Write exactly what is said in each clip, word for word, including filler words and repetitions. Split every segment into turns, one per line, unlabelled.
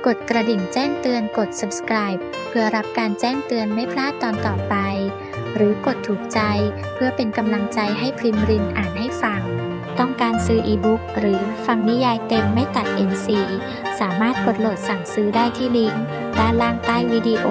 กดกระดิ่งแจ้งเตือนกด Subscribe เพื่อรับการแจ้งเตือนไม่พลาดตอนต่อไปหรือกดถูกใจเพื่อเป็นกำลังใจให้พริมรินอ่านให้ฟังต้องการซื้ออีบุ๊กหรือฟังนิยายเต็มไม่ตัด เอ็น ซี สามารถกดโหลดสั่งซื้อได้ที่ลิงก์ด้านล่างใต้วิดีโอ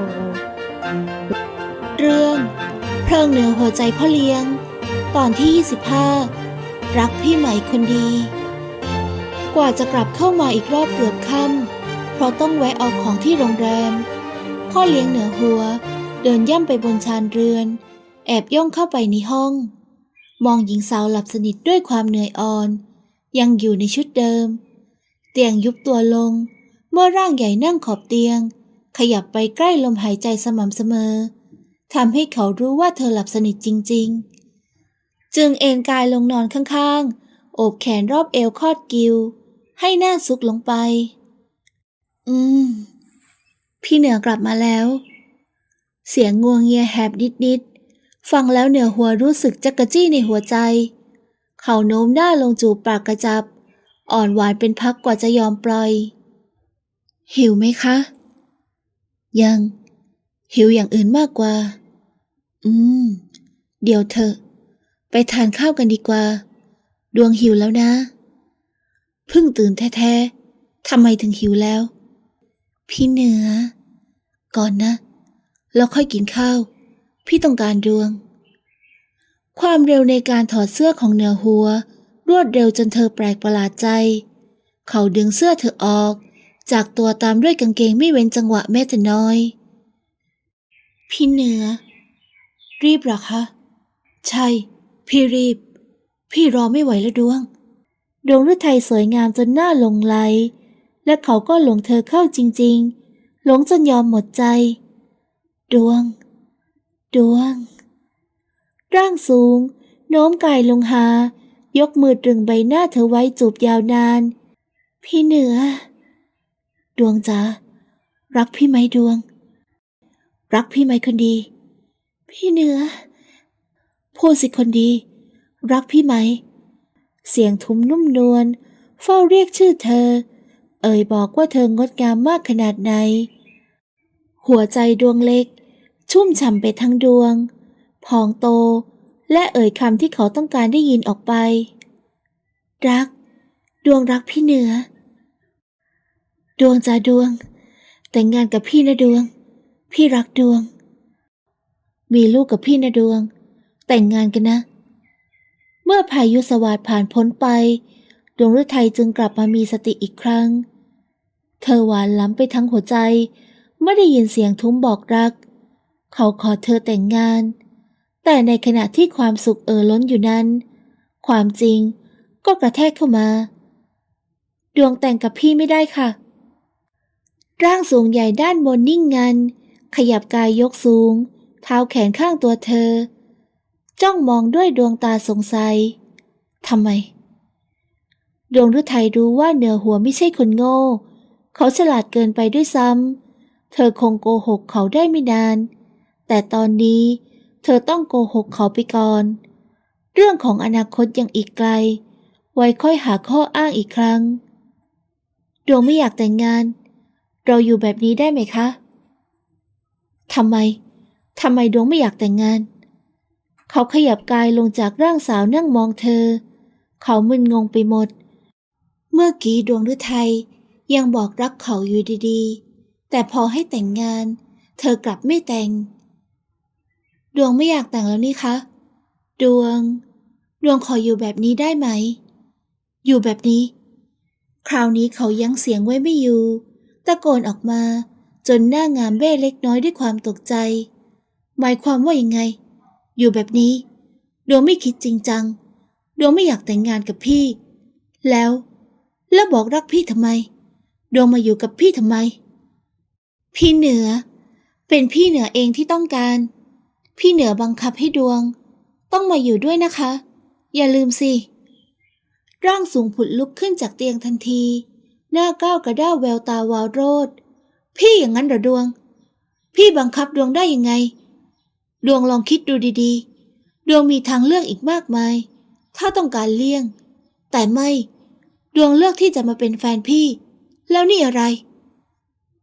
เรื่องเพลิงเหนือหัวใจพ่อเลี้ยงตอนที่ยี่สิบห้ารักพี่ใหม่คนดีกว่าจะกลับเข้ามาอีกรอบเกือบค่ำเพราะต้องแวะเอาของที่โรงแรมพ่อเลี้ยงเหนือหัวเดินย่ำไปบนชานเรือนแอบย่องเข้าไปในห้องมองหญิงสาวหลับสนิทด้วยความเหนื่อยอ่อนยังอยู่ในชุดเดิมเตียงยุบตัวลงเมื่อร่างใหญ่นั่งขอบเตียงขยับไปใกล้ลมหายใจสม่ำเสมอทำให้เขารู้ว่าเธอหลับสนิทจริงๆจึงเอนกายลงนอนข้างๆโอบแขนรอบเอวคอดกิวให้หน้าซุกลงไปอืมพี่เหนือกลับมาแล้วเสียงงัวเงียแหบนิดๆฟังแล้วเหนือหัวรู้สึกจักกะจี้ในหัวใจเขาโน้มหน้าลงจูบปากกระจับอ่อนหวานเป็นพักกว่าจะยอมปล่อยหิวไหมคะยังหิวอย่างอื่นมากกว่าอืมเดี๋ยวเถอะไปทานข้าวกันดีกว่าดวงหิวแล้วนะเพิ่งตื่นแท้ๆทำไมถึงหิวแล้วพี่เหนือก่อนนะแล้วค่อยกินข้าวพี่ต้องการดวงความเร็วในการถอดเสื้อของเหนือหัวรวดเร็วจนเธอแปลกประหลาดใจเขาดึงเสื้อเธอออกจากตัวตามด้วยกางเกงไม่เว้นจังหวะแม้แต่น้อยพี่เหนือรีบหรอคะใช่พี่รีบพี่รอไม่ไหวแล้วดวงดวงฤทัยสวยงามจนหน้าหลงไหลและเขาก็หลงเธอเข้าจริงๆหลงจนยอมหมดใจดวงดวงร่างสูงโน้มกายลงหายกมือตรึงใบหน้าเธอไว้จูบยาวนานพี่เหนือดวงจ๋ารักพี่ไหมดวงรักพี่ไหมคนดีพี่เหนือพูดสิคนดีรักพี่ไหมเสียงทุ้มนุ่มนวลเฝ้าเรียกชื่อเธอเอ่ยบอกว่าเธองดงามมากขนาดไหนหัวใจดวงเล็กชุ่มฉ่ำไปทั้งดวงพองโตและเอ่ยคำที่เขาต้องการได้ยินออกไปรักดวงรักพี่เหนือดวงจ้าดวงแต่งงานกับพี่นะดวงพี่รักดวงมีลูกกับพี่นะดวงแต่งงานกันนะเมื่อพายุสวาทผ่านพ้นไปดวงฤทัยจึงกลับมามีสติอีกครั้งเธอหวานล้ำไปทั้งหัวใจเมื่อได้ยินเสียงทุ้มบอกรักเขาขอเธอแต่งงานแต่ในขณะที่ความสุขเอ่อล้นอยู่นั้นความจริงก็กระแทกเข้ามาดวงแต่งกับพี่ไม่ได้ค่ะร่างสูงใหญ่ด้านบนนิ่งงันขยับกายยกสูงเท้าแขนข้างตัวเธอจ้องมองด้วยดวงตาสงสัยทำไมดวงฤทัยรู้ว่าเหนือหัวไม่ใช่คนโง่เขาฉลาดเกินไปด้วยซ้ำเธอคงโกหกเขาได้ไม่นานแต่ตอนนี้เธอต้องโกหกเขาไปก่อนเรื่องของอนาคตยังอีกไกลไว้ค่อยหาข้ออ้างอีกครั้งดวงไม่อยากแต่งงานเราอยู่แบบนี้ได้ไหมคะทำไมทำไมดวงไม่อยากแต่งงานเขาขยับกายลงจากร่างสาวนั่งมองเธอเขามึนงงไปหมดเมื่อกี้ดวงฤทัยยังบอกรักเขาอยู่ดีๆแต่พอให้แต่งงานเธอกลับไม่แต่งดวงไม่อยากแต่งแล้วนี่คะดวงดวงขออยู่แบบนี้ได้ไหมอยู่แบบนี้คราวนี้เขายั้งเสียงไว้ไม่อยู่ตะโกนออกมาจนหน้างามเบ้เล็กน้อยด้วยความตกใจหมายความว่ายังไงอยู่แบบนี้ดวงไม่คิดจริงจังดวงไม่อยากแต่งงานกับพี่แล้วแล้วบอกรักพี่ทำไมดวงมาอยู่กับพี่ทำไมพี่เหนือเป็นพี่เหนือเองที่ต้องการพี่เหนือบังคับให้ดวงต้องมาอยู่ด้วยนะคะอย่าลืมสิร่างสูงผุดลุกขึ้นจากเตียงทันทีหน้าก้าวกระด้าวแววตาวาวโรจน์พี่อย่างนั้นเหรอดวงพี่บังคับดวงได้ยังไงดวงลองคิดดูดีๆดวงมีทางเลือกอีกมากมายถ้าต้องการเลี่ยงแต่ไม่ดวงเลือกที่จะมาเป็นแฟนพี่แล้วนี่อะไร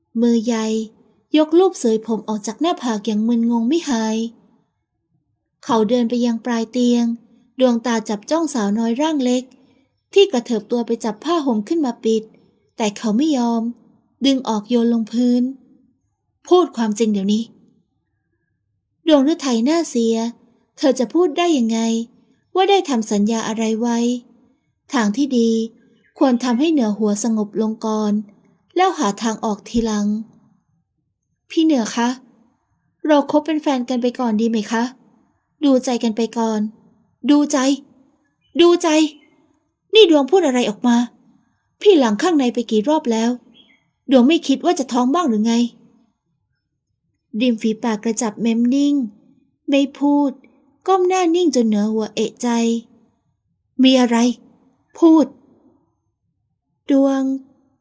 มือใหญ่ยกลูบเสยผมออกจากหน้าผากอย่างมึนงงไม่หาย เขาเดินไปยังปลายเตียงดวงตาจับจ้องสาวน้อยร่างเล็กที่กระเถิบตัวไปจับผ้าห่มขึ้นมาปิดแต่เขาไม่ยอมดึงออกโยนลงพื้นพูดความจริงเดี๋ยวนี้ดวงฤทัยหน้าเสียเธอจะพูดได้ยังไงว่าได้ทำสัญญาอะไรไว้ทางที่ดีควรทำให้เหนือหัวสงบลงก่อนแล้วหาทางออกทีหลังพี่เหนือคะเราคบเป็นแฟนกันไปก่อนดีไหมคะดูใจกันไปก่อนดูใจดูใจนี่ดวงพูดอะไรออกมาพี่หลังข้างในไปกี่รอบแล้วดวงไม่คิดว่าจะท้องบ้างหรือไงริมฝีปากกระจับเม้มนิ่งไม่พูดก้มหน้านิ่งจนเหนือหัวเอะใจมีอะไรพูดดวง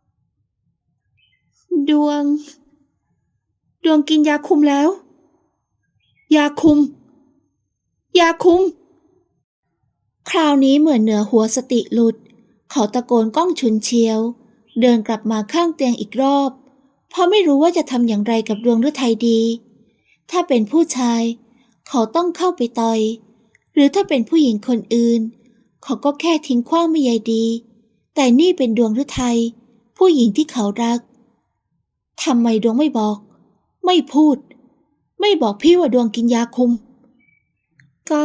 ดวงดวงกินยาคุมแล้วยาคุมยาคุมคราวนี้เหมือนเหนือหัวสติหลุดเขาตะโกนก้องฉุนเฉียวเดินกลับมาข้างเตียงอีกรอบเพราะไม่รู้ว่าจะทำอย่างไรกับดวงฤทัยดีถ้าเป็นผู้ชายเขาต้องเข้าไปต่อยหรือถ้าเป็นผู้หญิงคนอื่นเขาก็แค่ทิ้งขว้างไม่ใยดีแต่นี่เป็นดวงฤทัยผู้หญิงที่เขารักทำไมดวงไม่บอกไม่พูดไม่บอกพี่ว่าดวงกินยาคุมก็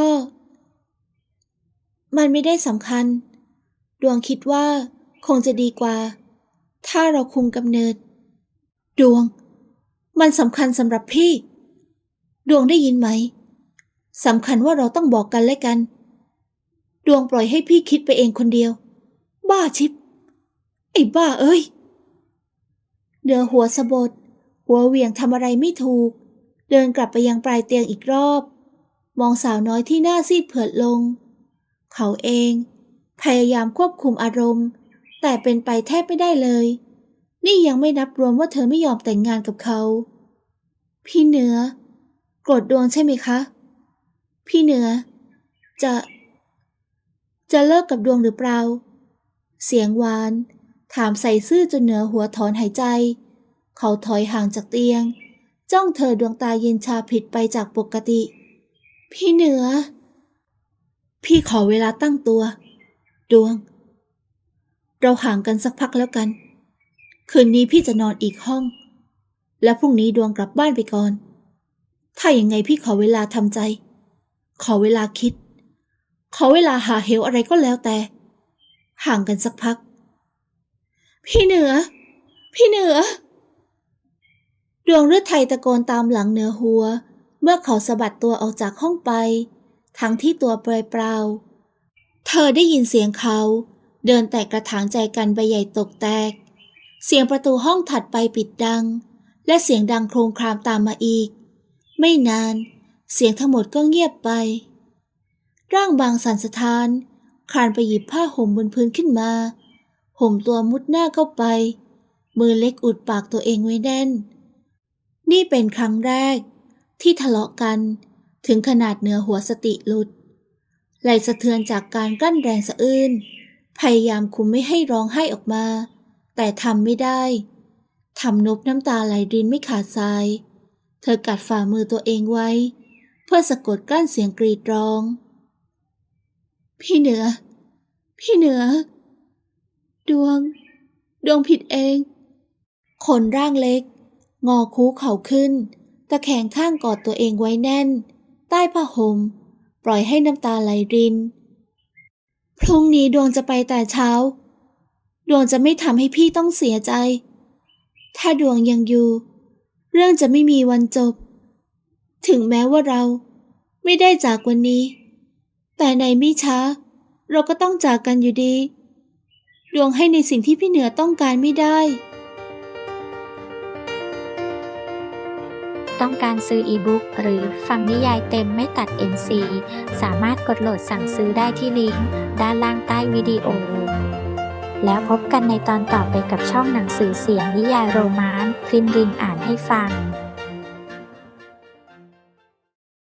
มันไม่ได้สำคัญดวงคิดว่าคงจะดีกว่าถ้าเราคุมกำเนิดดวงมันสำคัญสำหรับพี่ดวงได้ยินไหมสำคัญว่าเราต้องบอกกันและกันดวงปล่อยให้พี่คิดไปเองคนเดียวบ้าชิบไอ้บ้าเอ้ยเดือหัวสะบดหัวเหวี่ยงทำอะไรไม่ถูกเดินกลับไปยังปลายเตียงอีกรอบมองสาวน้อยที่หน้าซีดเผือดลงเขาเองพยายามควบคุมอารมณ์แต่เป็นไปแทบไม่ได้เลยนี่ยังไม่นับรวมว่าเธอไม่ยอมแต่งงานกับเขาพี่เหนือโกรธดวงใช่ไหมคะพี่เหนือจะจะเลิกกับดวงหรือเปล่าเสียงหวานถามใส่ซื่อจนเหนือหัวถอนหายใจเขาถอยห่างจากเตียงจ้องเธอดวงตาเย็นชาผิดไปจากปกติพี่เหนือพี่ขอเวลาตั้งตัวดวงเราห่างกันสักพักแล้วกันคืนนี้พี่จะนอนอีกห้องและพรุ่งนี้ดวงกลับบ้านไปก่อนถ้าอย่างไงพี่ขอเวลาทำใจขอเวลาคิดขอเวลาหาเหวอะไรก็แล้วแต่ห่างกันสักพักพี่เหนือพี่เหนือดวงฤทัยตะโกนตามหลังเหนือหัวเมื่อเขาสะบัดตัวออกจากห้องไปทั้งที่ตัวเปลือยเปล่าเธอได้ยินเสียงเขาเดินแตกกระถางใจกันใบใหญ่ตกแตกเสียงประตูห้องถัดไปปิดดังและเสียงดังโครมครามตามมาอีกไม่นานเสียงทั้งหมดก็เงียบไปร่างบางสั่นสะท้านคลานไปหยิบผ้าห่มบนพื้นขึ้นมาห่มตัวมุดหน้าเข้าไปมือเล็กอุดปากตัวเองไว้แน่นนี่เป็นครั้งแรกที่ทะเลาะกันถึงขนาดเหนือหัวสติหลุดไหลสะเทือนจากการกลั้นแรงสะอื้นพยายามคุมไม่ให้ร้องไห้ออกมาแต่ทำไม่ได้ทำนบน้ำตาไหลรินไม่ขาดสายเธอกัดฝ่ามือตัวเองไว้เพื่อสะกดกลั้นเสียงกรีดร้องพี่เหนือพี่เหนือดวงดวงผิดเองคนร่างเล็กงอคูเข่าขึ้นตะแคงข้างกอดตัวเองไว้แน่นใต้ผ้าห่มปล่อยให้น้ำตาไหลรินพรุ่งนี้ดวงจะไปแต่เช้าดวงจะไม่ทำให้พี่ต้องเสียใจถ้าดวงยังอยู่เรื่องจะไม่มีวันจบถึงแม้ว่าเราไม่ได้จากวันนี้แต่ในไม่ช้าเราก็ต้องจากกันอยู่ดีดวงให้ในสิ่งที่พี่เหนือต้องการไม่ได้
ต้องการซื้ออีบุ๊กหรือฟังนิยายเต็มไม่ตัด เอ็น ซี สามารถกดโหลดสั่งซื้อได้ที่ลิงก์ด้านล่างใต้วิดีโอแล้วพบกันในตอนต่อไปกับช่องหนังสือเสียงนิยายโรมานต์พริมรินอ่านให้ฟัง